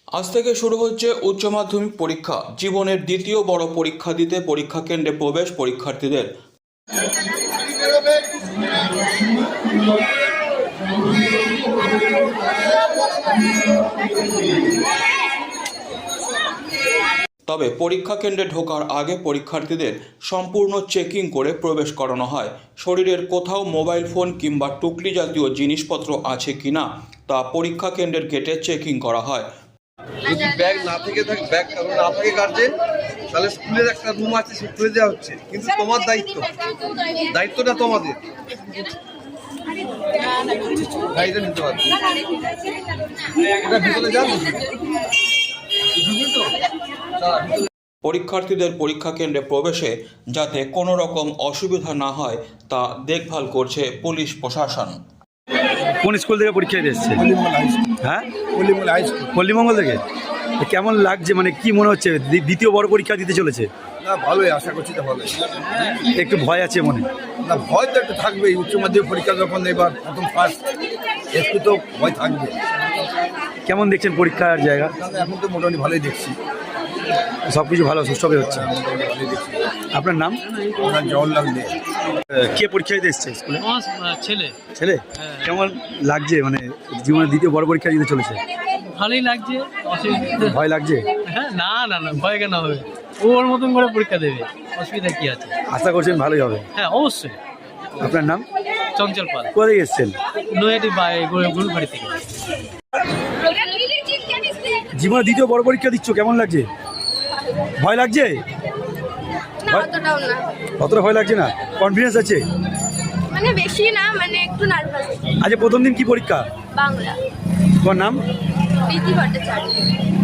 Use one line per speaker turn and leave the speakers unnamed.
আজ থেকে শুরু হচ্ছে উচ্চ মাধ্যমিক পরীক্ষা। জীবনের দ্বিতীয় বড় পরীক্ষা দিতে পরীক্ষা কেন্দ্রে প্রবেশ পরীক্ষার্থীদের। তবে পরীক্ষা কেন্দ্রে ঢোকার আগে পরীক্ষার্থীদের সম্পূর্ণ চেকিং করে প্রবেশ করানো হয়। শরীরের কোথাও মোবাইল ফোন কিংবা টুকলি জাতীয় জিনিসপত্র আছে কিনা তা পরীক্ষা কেন্দ্রের গেটে চেকিং করা হয়।
যদি ব্যাগ না থেকে থাকে, ব্যাগ না থাকে গার্জেন, তাহলে স্কুলের একটা রুম আছে, সে খুলে দেওয়া হচ্ছে। কিন্তু তোমার দায়িত্বটা তোমাদের, গাড়িটা নিতে পারবে। এটা ভিতরে যান
পরীক্ষার্থীদের পরীক্ষা কেন্দ্রে প্রবেশে যাতে কোনো রকম অসুবিধা না হয় তা দেখভাল করছে পুলিশ প্রশাসন।
কোন স্কুল থেকে পরীক্ষা দিতে এসছে? হ্যাঁ, পল্লীমঙ্গল থেকে। কেমন লাগছে, মানে কি মনে হচ্ছে দ্বিতীয় বড় পরীক্ষা দিতে চলেছে?
না, ভালোই, আশা করছি তো ভালোই।
একটু ভয় আছে মনে?
না, ভয় তো একটু থাকবেই। উচ্চ মাধ্যমিক পরীক্ষা যখন এবার প্রথম ফার্স্ট, একটু তো ভয় থাকবে।
কেমন দেখছেন পরীক্ষার জায়গা?
এখন তো মোটামুটি ভালোই দেখছি,
সব কিছু ভালো সুষ্ঠুভাবে হচ্ছে।
ভালোই দেখছি।
আপনার নাম?
আমার জওহরলাল দে।
কে পরীক্ষা দিতে এসছে স্কুলে?
ছেলে।
ছেলে? কেমন লাগছে, মানে জীবনের দ্বিতীয় বড় পরীক্ষা দিতে চলেছে?
ভালোই লাগছে।
ভয় লাগছে?
হ্যাঁ, না না না, ভয় কেন হবে? ওর মতন করে পরীক্ষা দেবে, অসুবিধা কি আছে?
আশা করছেন ভালোই হবে?
হ্যাঁ, অবশ্যই।
আপনার নাম?
চঞ্চল পাল।
কোথা থেকে এসছেন?
নয়াটি গুরুবাড়ি থেকে।
জীবনের দ্বিতীয় বড় পরীক্ষা দিচ্ছ, কেমন লাগছে? ভয় লাগছে? অতটা ভয় লাগছে না? কনফিডেন্স আছে?
মানে বেশি না, মানে একটু নার্ভাস।
আজ প্রথম দিন কি পরীক্ষা?
বাংলা।
তোমার নাম?
প্রীতি ভট্টাচার্য।